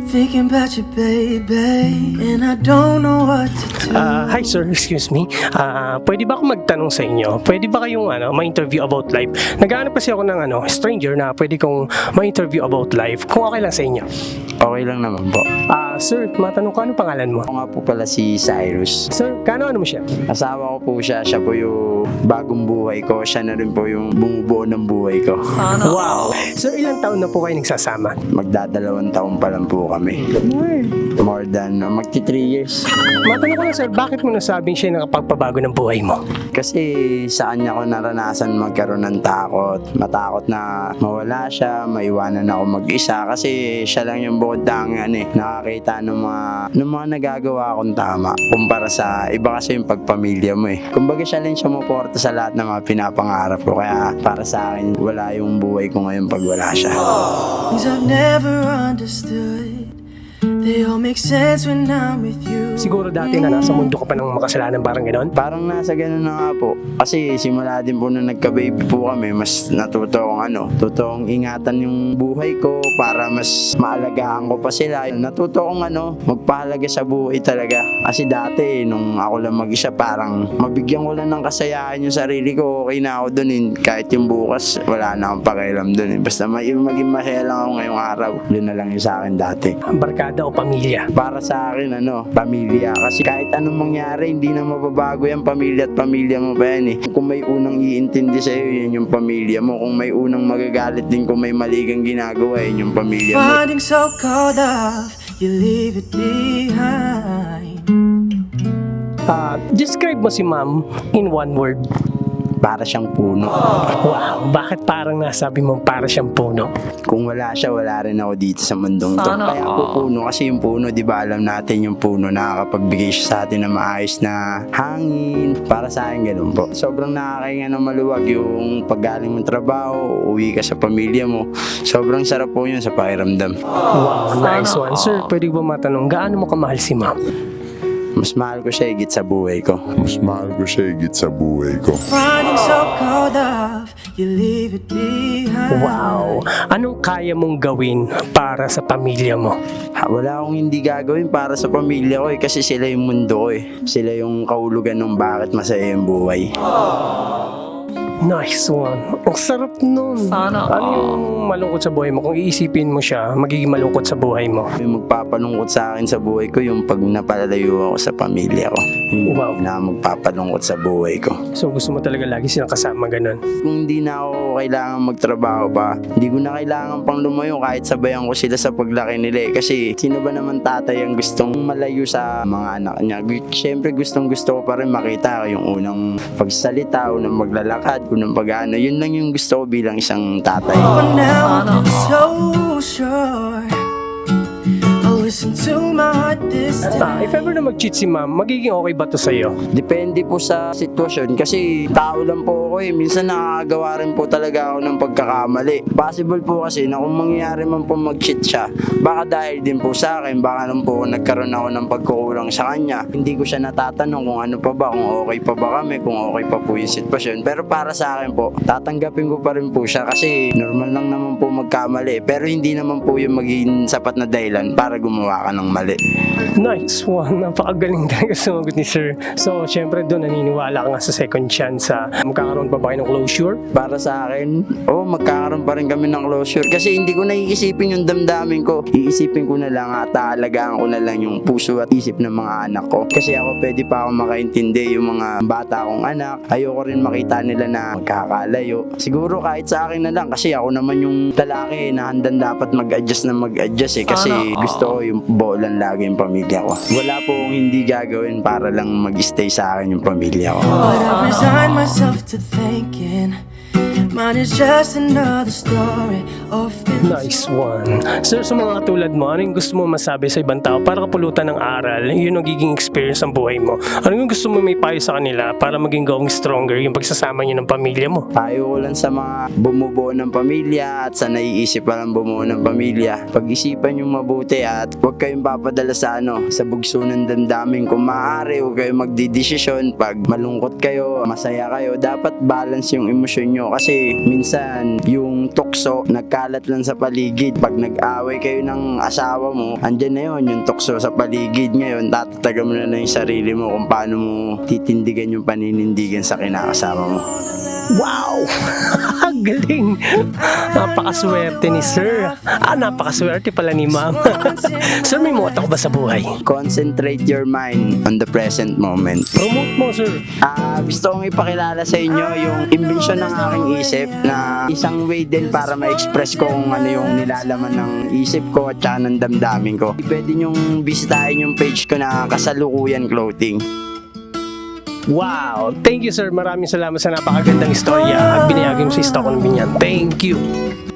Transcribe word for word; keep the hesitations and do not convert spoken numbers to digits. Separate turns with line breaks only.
Thinking about you, baby, and I don't know what to do.
Ah, hi sir, excuse me. Ah, pwede ba ako magtanong sa inyo? Pwede ba kayong ano, ma-interview about life? Naghahanap kasi ako ng ano, stranger na pwede kong ma-interview about life. Kung okay lang sa inyo.
Okay lang naman po.
Ah, sir, matanong ko, ano pangalan mo?
Ako nga po pala si Cyrus.
Sir, kano ano mo siya?
Asawa ko po siya. Siya po yung bagong buhay ko. Siya na rin po yung bumubuo ng buhay ko.
Wow! Sir, ilang taon na po kayo nagsasama?
Magdadalawang taon pa lang po kami. More than, uh, magti three years.
Matanong ko lang sir, bakit mo nasabing siya yung nakapagpabago ng buhay mo?
Kasi sa kanya ko naranasan magkaroon ng takot. Matakot na mawala siya, maiwanan ako mag-isa. Kasi siya lang yung bukod tangan eh. Nakakita ng mga, ng mga nagagawa akong tama. Kumpara sa iba kasi yung pagpamilya mo eh. Kumbaga siya lang sumuporta sa lahat ng mga pinapangarap ko. Kaya para sa akin, wala yung buhay ko ngayon pag wala siya.
Things I've never understood, they all make sense when I'm with you.
Siguro dati na nasa mundo ka pa ng makasalanan parang gano'n?
Parang nasa ganun na nga po. Kasi simula din po nung nagka-baby po kami, mas natuto akong ano, tutong ingatan yung buhay ko para mas maalagaan ko pa sila. Natuto akong ano, magpahalaga sa buhay talaga. Kasi dati, nung ako lang mag-isa, parang mabigyan ko lang ng kasayahan yung sarili ko. Okay na ako dun eh. Kahit yung bukas, wala na akong pakialam dun eh. Basta may, maging masaya lang ako ngayong araw. Yun na lang yung sa akin dati.
Barkada o pamilya?
Para sa akin, ano, pamilya. Kasi kahit anong mangyari, hindi na mababago yan. Pamilya at pamilya mo pa yan eh. Kung may unang iintindi sa'yo, yan yung pamilya mo. Kung may unang magagalit din kung may mali kang ginagawa, yan yung pamilya mo.
Finding so cold off, you leave it behind.
Ah, describe mo si ma'am in one word.
Para siyang puno.
Wow, bakit parang nasabi mo para siyang puno?
Kung wala siya, wala rin ako dito sa mundong to. Kaya po puno, kasi yung puno, di ba alam natin yung puno nakakapagbigay siya sa atin ng maayos na hangin. Para sa akin, ganun po. Sobrang nakakainga ng maluwag yung paggaling mong trabaho, uwi ka sa pamilya mo. Sobrang sarap po yun sa pakiramdam.
Wow, nice one. Sir, pwede ba matanong, gaano mo kamahal si ma'am?
Mas mahal ko siya higit sa buhay ko.
Mas mahal ko siya higit sa buhay ko.
Finding so cold off, you leave it behind.
Wow, anong kaya mong gawin para sa pamilya mo?
Ha, wala akong hindi gagawin para sa pamilya ko eh, kasi sila yung mundo ko eh. Sila yung kahulugan ng bakit masaya yung buhay.
Nice one. Ang sarap nun. Sana. Ano yung malungkot sa buhay mo? Kung iisipin mo siya, magiging malungkot sa buhay mo.
Yung magpapalungkot sa akin sa buhay ko, yung pag napalalayo ako sa pamilya ko. Yung
Wow.
na magpapalungkot sa buhay ko.
So gusto mo talaga lagi silang kasama ganun?
Kung hindi na ako kailangan magtrabaho pa, hindi ko na kailangan pang lumayo kahit sabayan ko sila sa paglaki nila eh. Kasi sino ba naman tatay ang gustong malayo sa mga anak niya? Siyempre gustong gusto ko pa rin makita yung unang pagsalita, unang maglalakad, unang pag-ano. Yun lang yung gusto ko bilang isang tatay.
But now I'm so sure I'll listen to my heart this
Ah,
time.
if ever na mag-cheat si ma'am, magiging okay ba to sa'yo?
Depende po sa sitwasyon kasi tao lang po ako eh. Minsan nakakagawa rin po talaga ako ng pagkakamali. Possible po kasi na kung mangyayari man po mag-cheat siya, baka dahil din po sa akin, baka nung po nagkaroon ako ng pagkukulang sa kanya. Hindi ko siya natatanong kung ano pa ba, kung okay pa ba kami, kung okay pa po yung sitwasyon. Pero para sa akin po, tatanggapin ko pa rin po siya kasi normal lang naman po magkamali. Pero hindi naman po yung maging sapat na dahilan para gumawa ka ng mali.
Nice one. Napakagaling talaga sumagot ni sir. So, syempre doon naniniwala ka nga sa second chance. Ha? Magkakaroon pa ba kayo ng closure?
Para sa akin, oh, magkakaroon pa rin kami ng closure. Kasi hindi ko na iisipin yung damdamin ko. Iisipin ko na lang at aalagaan ko na lang yung puso at isip ng mga anak ko. Kasi ako pwede pa ako makaintindi yung mga bata kong anak. Ayoko rin makita nila na magkakalayo. Siguro kahit sa akin na lang kasi ako naman yung lalaki na handang dapat mag-adjust na mag-adjust eh. Kasi gusto ko yung bolan lagi yung pamilya ko. Wala po akong hindi gagawin para lang mag-stay sa akin yung pamilya ko.
But I resign myself to thinking mine is just another story of
Nice one. Sir, sa mga katulad mo, ano yung gusto mo masabi sa ibang tao para kapulutan ng aral, yun ang giging experience ng buhay mo? Ano yung gusto mo may payo sa kanila para maging going stronger yung pagsasama niyo ng pamilya mo?
Payo ko lang sa mga bumubuo ng pamilya at sa naiisip pa lang bumuo ng pamilya. Pag-isipan yung mabuti at huwag kayong papadala sa ano, sa bugso ng damdamin. Kung maaari, huwag kayong magdidesisyon. Pag malungkot kayo, masaya kayo, dapat balance yung emosyon nyo. Kasi Kasi minsan yung tukso nagkalat lang sa paligid. Pag nag-away kayo ng asawa mo, andyan na yun yung tukso sa paligid. Ngayon tatatagan mo na lang yung sarili mo kung paano mo titindigan yung paninindigan sa kinakasama mo.
Wow! Galing! Napakaswerte ni sir. Ah, napakaswerte pala ni ma'am. Sir, may motto ka ba sa buhay?
Concentrate your mind on the present moment.
Promote mo, sir.
Ah, gusto kong ipakilala sa inyo yung imbensyon ng aking isip na isang way din para ma-express ko kung ano yung nilalaman ng isip ko at saka ng damdamin ko. Pwede nyong bisitahin yung page ko na Kasalukuyan Clothing.
Wow! Thank you, sir. Maraming salamat sa napakagandang istorya at binayagin mo sa stock ng binyan. Thank you!